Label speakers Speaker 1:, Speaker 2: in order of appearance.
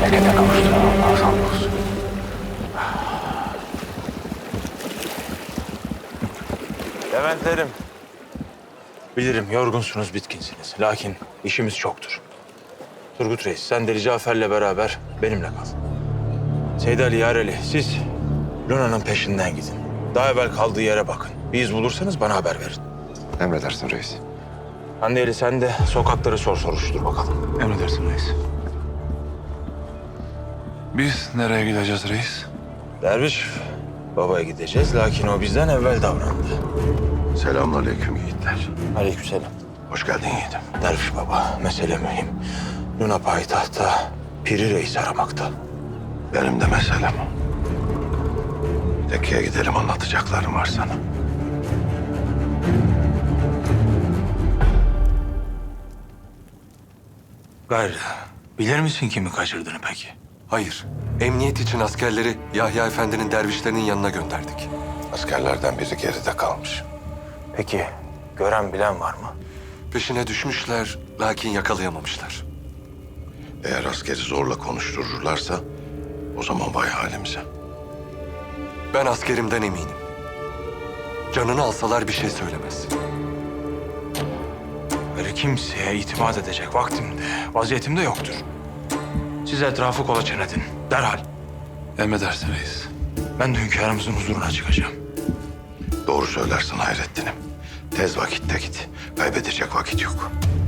Speaker 1: berekete kavuştur. Allah'a hamdolsun.
Speaker 2: Leventlerim. Bilirim yorgunsunuz, bitkinsiniz. Lakin işimiz çoktur. Turgut Reis, sen Deli Cafer'le beraber benimle kal. Seydi Ali, Yareli, siz Luna'nın peşinden gidin. Daha evvel kaldığı yere bakın. Bir iz bulursanız bana haber verin.
Speaker 3: Emredersin reis.
Speaker 2: Hande Ali, sen de sokakları soruştur bakalım.
Speaker 4: Emredersin reis. Biz nereye gideceğiz reis?
Speaker 2: Derviş babaya gideceğiz. Lakin o bizden evvel davrandı.
Speaker 3: Selamünaleyküm yiğitler.
Speaker 2: Aleykümselam.
Speaker 3: Hoş geldin yiğidim.
Speaker 2: Derviş baba, mesele mühim. Luna payitahta Piri Reis aramakta.
Speaker 3: Benim de meselem o. Tekke'ye gidelim, anlatacaklarım var sana.
Speaker 2: Gayrı, bilir misin kimi kaçırdığını peki?
Speaker 5: Hayır. Emniyet için askerleri Yahya Efendi'nin dervişlerinin yanına gönderdik.
Speaker 3: Askerlerden biri geride kalmış.
Speaker 2: Peki, gören bilen var mı?
Speaker 5: Peşine düşmüşler lakin yakalayamamışlar.
Speaker 3: Eğer askeri zorla konuştururlarsa o zaman vay halimize.
Speaker 5: Ben askerimden eminim. Canını alsalar bir şey söylemez.
Speaker 2: Böyle kimseye itimat edecek vaktimde, vaziyetimde yoktur. Siz etrafı kolaçan edin, derhal.
Speaker 4: Emredersin reis.
Speaker 2: Ben de hünkârımızın huzuruna çıkacağım.
Speaker 3: Doğru söylersin Hayrettin'im. Tez vakitte git. Kaybedecek vakit yok.